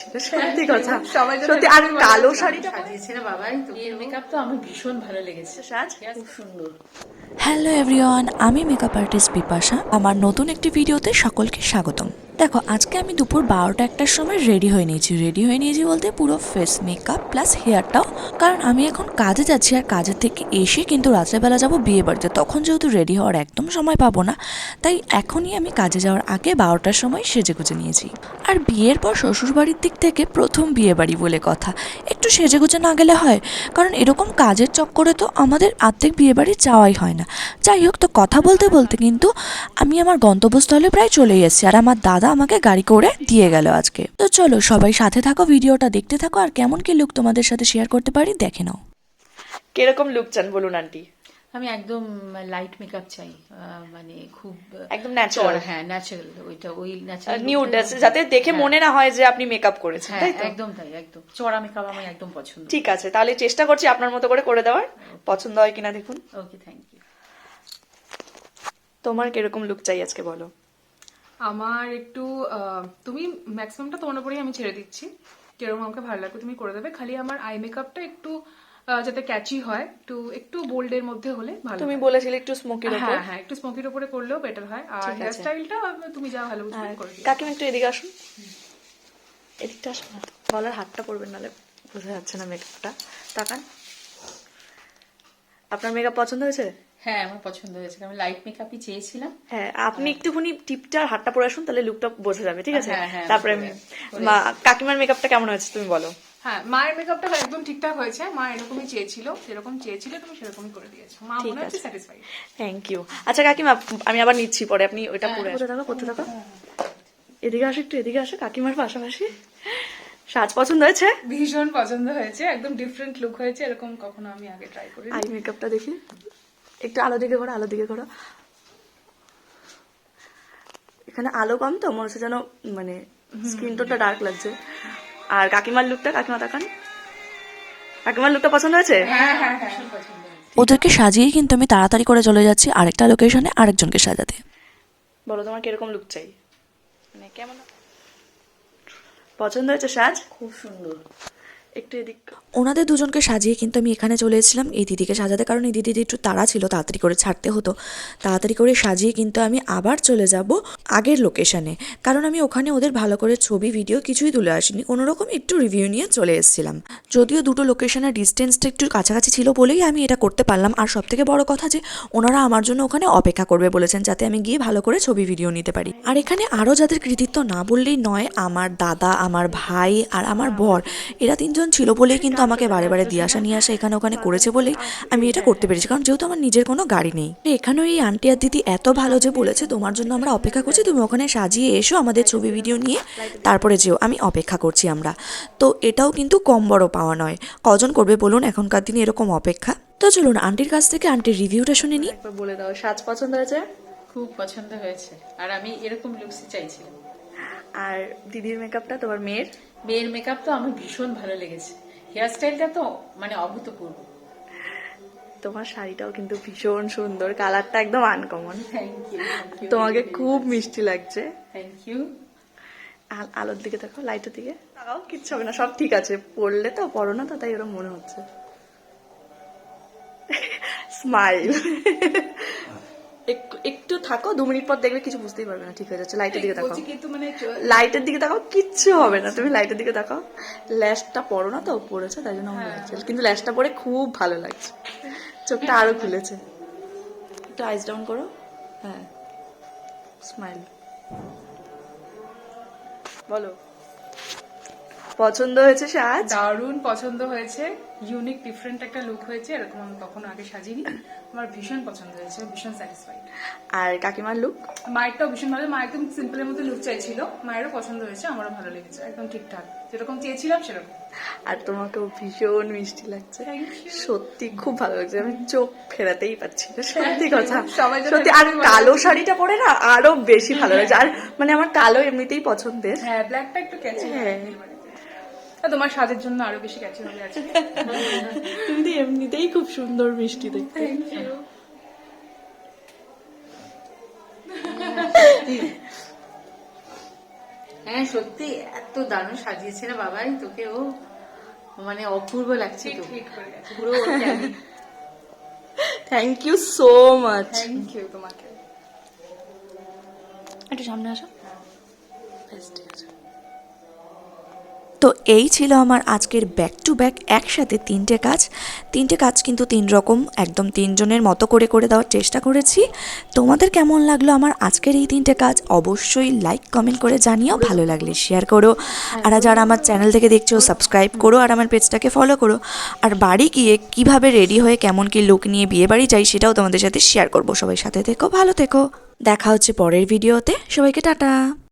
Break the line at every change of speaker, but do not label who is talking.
না, সত্যি কথা। সত্যি। আর কালো শাড়িটা
সাজিয়েছে না বাবাই, তো এর মেকআপ তো আমার ভীষণ ভালো লেগেছে,
সাজ
খুব সুন্দর।
হ্যালো এভরিওয়ান, আমি মেকআপ আর্টিস্ট বিপাশা। আমার নতুন একটি ভিডিওতে সকলকে স্বাগতম। দেখো, আজকে আমি দুপুর 12টা-1টার সময় রেডি হয়ে নিয়েছি বলতে পুরো ফেস মেকআপ প্লাস হেয়ারটাও, কারণ আমি এখন কাজে যাচ্ছি। আর কাজের থেকে এসে কিন্তু রাত্রেবেলা যাবো বিয়ে বাড়িতে, তখন যেহেতু রেডি হওয়ার একদম সময় পাবো না, তাই এখনই আমি কাজে যাওয়ার আগে 12টার সময় সেজে গুজে নিয়েছি। আর বিয়ের পর শ্বশুরবাড়ির দিক থেকে প্রথম বিয়ে বাড়ি বলে কথা, একটু সেজে গুজে না গেলে হয়? কারণ এরকম কাজের চক্করে তো আমাদের আর্ধেক বিয়ে বাড়ি যাওয়াই হয় না। যাই হোক, তো কথা বলতে বলতে কিন্তু আমি আমার গন্তব্যস্থলে প্রায় চলেই এসেছি, আর আমার দাদা আমাকে গাড়ি করে দিয়ে গেল আজকে। তো চলো সবাই সাথে থাকো, ভিডিওটা দেখতে থাকো, আর কেমন কি লুক তোমাদের সাথে শেয়ার করতে পারি দেখে নাও।
কিরকম লুক চান বলুন আন্টি?
আমি একদম লাইট মেকআপ চাই, মানে খুব
একদম ন্যাচারাল।
হ্যাঁ ন্যাচারাল, ওই ন্যাচারাল
নিউড, যাতে দেখে মনে না হয় যে আপনি মেকআপ করেছেন,
হ্যাঁ
তাই তো?
একদম তাই, একদম চড়া মেকআপ আমার একদম পছন্দ।
ঠিক আছে, তাহলে চেষ্টা করছি আপনার মতো করে দেওয়ার। পছন্দ হয় কিনা দেখুন।
Okay, thank you.
তোমার কিরকম লুক চাই আজকে বলো?
আমার একটু তুমি ম্যাক্সিমামটা তোমার উপরেই আমি ছেড়ে দিচ্ছি, যেরকম আমাকে ভালো লাগবে তুমি করে দেবে। খালি আমার আই মেকআপটা একটু যাতে ক্যাচি হয়, একটু একটু বোল্ডের মধ্যে হলে ভালো।
তুমি বলেছিলে একটু স্মোকির উপর।
হ্যাঁ হ্যাঁ, একটু স্মোকির উপরে করলেও বেটার হয়। আর হেয়ার স্টাইলটা তুমি যা ভালো বুঝবে করে দিও।
কাকিমা একটু এদিকে আসুন, এদিকটা আসুন না, গলার হাতটা পড়বেন, নাহলে বোঝা যাচ্ছে না মেকআপটা। তাকান। আপনার মেকআপ পছন্দ হয়েছে?
হ্যাঁ আমার পছন্দ হয়েছে, আমি লাইট মেকআপই চেয়েছিলাম।
হ্যাঁ, আপনি একটুখানি টিপটা আর হাতটা পরে আসুন, তাহলে লুকটা বোঝা যাবে, ঠিক আছে?
হ্যাঁ, হ্যাঁ,
তারপরে কাকিমার মেকআপটা কেমন হয়েছে তুমি বলো?
হ্যাঁ, মায়ের মেকআপটা একদম ঠিকঠাক হয়েছে। মা এরকমই চেয়েছিল, যেরকম চেয়েছিল তুমি সেরকমই করে দিয়েছো। মা মনে হচ্ছে স্যাটিসফাইড।
Thank you. আচ্ছা কাকিমা, আমি আবার নিচ্ছি পরে, আপনি ওইটা পরে করতে থাকো। এদিকে আসো, একটু এদিকে আসো, কাকিমার পাশাপাশি। সাজ পছন্দ হয়েছে?
ভীষণ পছন্দ হয়েছে, একদম ডিফারেন্ট লুক হয়েছে, এরকম কখনো আমি আগে ট্রাই করি।
আই মেকআপটা দেখি একটু, আলো দিকে করো। এখানে আলো কম তো মনে হচ্ছে যেন, মানে স্কিন টোনটা ডার্ক লাগছে। আর কাকিমার লুকটা, কাকিমা তাকান, কাকিমার লুকটা পছন্দ হয়েছে?
হ্যাঁ হ্যাঁ হ্যাঁ,
ওদেরকে সাজিয়েই কিন্তু আমি তাড়াতাড়ি করে চলে যাচ্ছি আরেকটা লোকেশনে আরেকজনকে সাজাতে।
বলো তোমার কিরকম লুক চাই, মানে কেমন পছন্দ হয়েছে সাজ?
খুব সুন্দর।
একটু এদিক।
ওনাদের দুজনকে সাজিয়ে কিন্তু আমি এখানে চলে এসেছিলাম এই দিদিকে সাজাতে, কারণ এই দিদি একটু তাড়া ছিল, তাড়াতাড়ি করে ছাড়তে হতো। তাড়াতাড়ি করে সাজিয়ে কিন্তু আমি আবার চলে যাব আগের লোকেশনে, কারণ আমি ওখানে ওদের ভালো করে ছবি ভিডিও কিছুই তুলে আসিনি, কোনোরকম একটু রিভিউ নিয়ে চলে এসেছিলাম। যদিও দুটো লোকেশনের ডিস্টেন্সটা একটু কাছাকাছি ছিল বলেই আমি এটা করতে পারলাম। আর সব থেকে বড় কথা যে ওনারা আমার জন্য ওখানে অপেক্ষা করবে বলেছেন, যাতে আমি গিয়ে ভালো করে ছবি ভিডিও নিতে পারি। আর এখানে আরও যাদের কৃতিত্ব না বললেই নয়, আমার দাদা, আমার ভাই আর আমার বর, এরা তিনজন ছিল বলেই কিন্তু আমাকে বারে বারে দিয়ে আসা নিয়ে আসা এখানে ওখানে করেছে বলেই আমি এটা করতে পেরেছি, কারণ যেহেতু আমার নিজের কোনো গাড়ি নেই। এখানেও এই আন্টি আর দিদি এত ভালো যে বলেছে, তোমার জন্য আমরা অপেক্ষা করছি, তুমি ওখানে সাজিয়ে এসো, আমাদের ছবি ভিডিও নিয়ে তারপরে যেও, আমি অপেক্ষা করছি আমরা। তো এটাও কিন্তু কম বড় পাওয়া নয়। কজন করবে বলুন এখনকার দিনে এরকম অপেক্ষা? তো চলুন আন্টির কাছ থেকে আন্টির রিভিউটা শুনে নিই।
একবার বলে দাও, সাজ পছন্দ হয়েছে?
খুব পছন্দ হয়েছে, আর আমি এরকম লুকসই চাইছিলাম।
আর দিদির মেকআপটা, তোমার
মেয়ের মেকআপ তো আমার ভীষণ ভালো লেগেছে, হেয়ার স্টাইলটা তো মানে অভূতপূর্ব।
তোমার শাড়িটাও কিন্তু ভীষণ সুন্দর, কালারটা একদম আনকমন।
Thank you.
তোমাকে খুব মিষ্টি লাগছে।
Thank you.
আলোর দিকে দেখো, লাইটের দিকে তাকাও, কিচ্ছু হবে না, সব ঠিক আছে। পড়লে তো, পড়ো না তো, তাই ওরকম মনে হচ্ছে। স্মাইল। একটু থাকো, 2 মিনিট পর দেখবে কিছু বুঝতেই পারবে না, ঠিক হয়ে যাচ্ছে। লাইটের দিকে তাকাও,
কিন্তু মানে
লাইটের দিকে তাকাও, কিচ্ছু হবে না, তুমি লাইটের দিকে তাকাও। ল্যাশটা পরো না তো, পড়েছে তাই জন্য আমার লাগছে, কিন্তু ল্যাশটা পরে খুব ভালো লাগছে, চোখটা আরো খুলেছে। একটু আইস ডাউন করো, হ্যাঁ, স্মাইল। বলো পছন্দ হয়েছে সাজ?
দারুণ পছন্দ হয়েছে, ইউনিক ডিফারেন্ট একটা লুক হয়েছে, এরকম আমি কখনো আগে সাজিনি। আমার ভীষণ পছন্দ হয়েছে, ভীষণ স্যাটিসফাইড।
আর কাকিমার লুক?
মায়েরটাও ভীষণ ভালো, মা একদম সিম্পলের মধ্যে লুক চাইছিল, মায়েরও পছন্দ হয়েছে, আমারও ভালো লেগেছে, একদম ঠিকঠাক যেরকম চেয়েছিলাম সেরকম।
আর তোমাকেও ভীষণ মিষ্টি লাগছে,
Thank you.
সত্যি খুব ভালো লাগছে, আমি চোখ ফেরাতেই পাচ্ছি না, সত্যি কথা।
সবাই যেন
সত্যি। আর কালো শাড়িটা পরে না আরো বেশি ভালো লাগছে। আর মানে আমার কালো এমনিতেই পছন্দের।
হ্যাঁ, ব্ল্যাকটা একটু ক্যাচি।
হ্যাঁ,
তোমার সাজের জন্য আরো বেশি ক্যাচি হবে আছে।
তুমি তো এমনিতেই খুব সুন্দর মিষ্টি দেখতে।
হ্যাঁ সত্যি এত দারুণ সাজিয়েছে না বাবাই তোকে, ও মানে অপূর্ব লাগছে তো
হিট করে গেছে।
পুরো
thank you so much.
Thank you তোমাকে।
একটু সামনে আসো। বেশ, ঠিক আছে।
তো এই ছিল আমার আজকের ব্যাক টু ব্যাক একসাথে তিনটে কাজ কিন্তু 3 রকম একদম 3 জনের মতো করে করে দেওয়ার চেষ্টা করেছি। তোমাদের কেমন লাগলো আমার আজকের এই 3টে কাজ অবশ্যই লাইক কমেন্ট করে জানিও, ভালো লাগলে শেয়ার করো, আর যারা আমার চ্যানেল থেকে দেখছো সাবস্ক্রাইব করো আর আমার পেজটাকে ফলো করো। আর বাড়ি গিয়ে কিভাবে রেডি হয়ে কেমন কি লুক নিয়ে বিয়ে বাড়ি যাই সেটাও তোমাদের সাথে শেয়ার করবো। সবাই সাথে থেকো, ভালো থেকো, দেখা হচ্ছে পরের ভিডিওতে, সবাইকে টাটা।